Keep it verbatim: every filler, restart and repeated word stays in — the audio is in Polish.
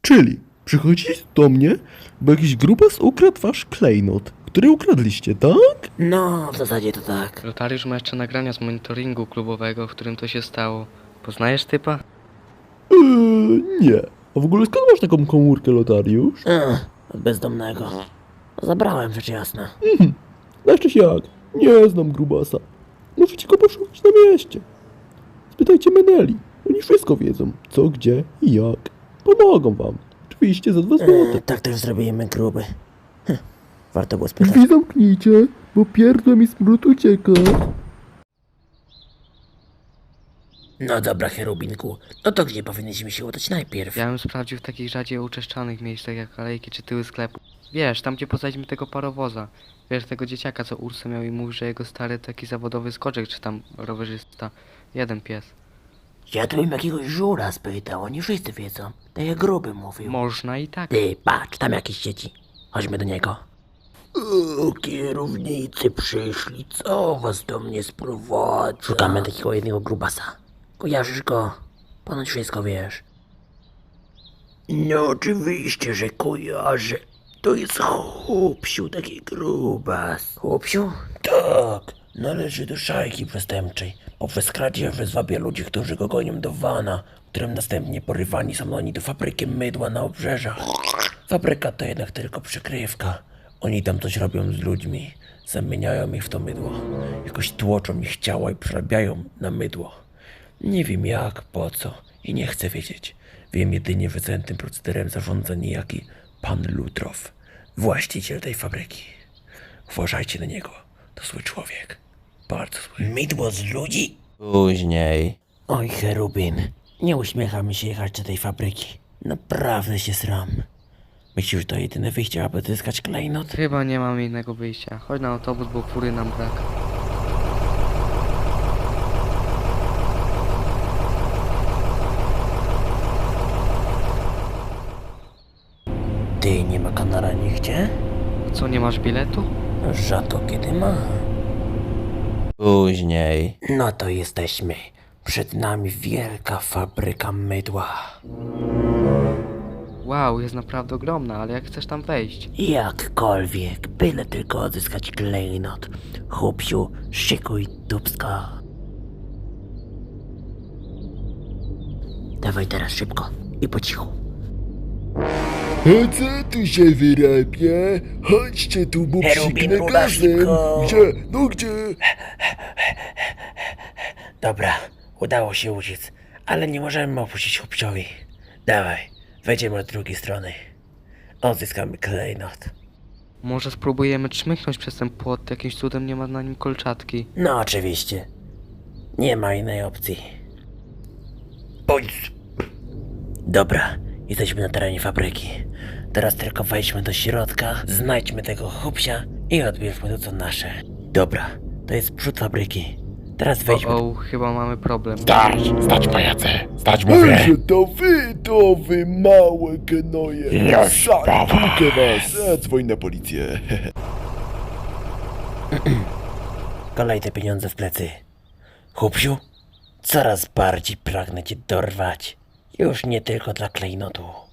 Czyli przychodzicie do mnie, bo jakiś grubas ukradł wasz klejnot, który ukradliście, tak? No, w zasadzie to tak. Lotariusz ma jeszcze nagrania z monitoringu klubowego, w którym to się stało. Poznajesz typa? Eee, nie. A w ogóle skąd masz taką komórkę, Lotariusz? Ech, od bezdomnego. Zabrałem, rzecz jasna. Mhm. Jeszcze się jak? Nie znam grubasa. Możecie go poszukać na mieście. Spytajcie Meneli. Oni wszystko wiedzą. Co, gdzie i jak. Pomogą wam. Oczywiście za dwa złote. Ech, tak też zrobimy, gruby. Hm, warto było spytać. Drzwi zamknijcie, bo pierdol mi smród ucieka. No dobra, Cherubinku. No to gdzie powinniśmy się udać najpierw? Ja bym sprawdził w takich rzadziej uczeszczanych miejscach jak alejki czy tyły sklepu. Wiesz, tam gdzie poznaliśmy tego parowoza. Wiesz, tego dzieciaka, co Ursa miał i mówi, że jego stary taki zawodowy skoczek, czy tam rowerzysta. Jeden pies. Ja tu bym jakiegoś żura spytał, oni wszyscy wiedzą. Tak jak gruby mówił. Można i tak. Ty, patrz, tam jakieś dzieci. Chodźmy do niego. O, kierownicy przyszli, co was do mnie sprowadza? Szukamy takiego jednego grubasa. Kojarzysz go? Ponoć wszystko wiesz. No oczywiście, że kojarzę. To jest chłopsiu, taki grubas. Chłopsiu? Tak. Należy do szajki przestępczej. Poprzez kradzież zwabia ludzi, którzy go gonią do wana, którym następnie porywani są oni do fabryki mydła na obrzeżach. Fabryka to jednak tylko przykrywka. Oni tam coś robią z ludźmi. Zamieniają ich w to mydło. Jakoś tłoczą ich ciała i przerabiają na mydło. Nie wiem jak, po co i nie chcę wiedzieć. Wiem jedynie, że całym tym procederem zarządza niejaki pan Lutrow, właściciel tej fabryki. Uważajcie na niego. To zły człowiek. Bardzo zły. Mydło z ludzi? Później. Oj, Cherubin. Nie uśmiecha mi się jechać do tej fabryki. Naprawdę się sram. Myślisz, że to jedyne wyjście, aby zyskać klejnot? Chyba nie mamy innego wyjścia. Chodź na autobus, bo fury nam brak. Ty, nie ma kanara nigdzie? Co, nie masz biletu? Rzadko kiedy ma. Później. No to jesteśmy. Przed nami wielka fabryka mydła. Wow, jest naprawdę ogromna, ale jak chcesz tam wejść? Jakkolwiek, byle tylko odzyskać klejnot. Chłopsiu, szykuj dubska. Dawaj teraz szybko i po cichu. A co tu się wyrabia? Chodźcie tu, bo Cherubin, psiknę ruda, gazem. szybko. Gdzie? No gdzie? Dobra, udało się uciec, ale nie możemy opuścić chłopciowi. Dawaj, wejdziemy od drugiej strony. Odzyskamy klejnot. Może spróbujemy czmychnąć przez ten płot, jakimś cudem nie ma na nim kolczatki. No oczywiście. Nie ma innej opcji. Bądź. Dobra, jesteśmy na terenie fabryki. Teraz tylko wejdźmy do środka, znajdźmy tego chłopsia i odbierzmy to co nasze. Dobra, to jest przód fabryki. Teraz wejdźmy. O, o, chyba mamy problem. Stać, stać pajace, stać mówię. Że to wy, to wy małe gnoje. Już, Zabiję dawaj. was. Zadzwoń na policję. Kolej te pieniądze w plecy. Chłopsiu, coraz bardziej pragnę cię dorwać. Już nie tylko dla klejnotu.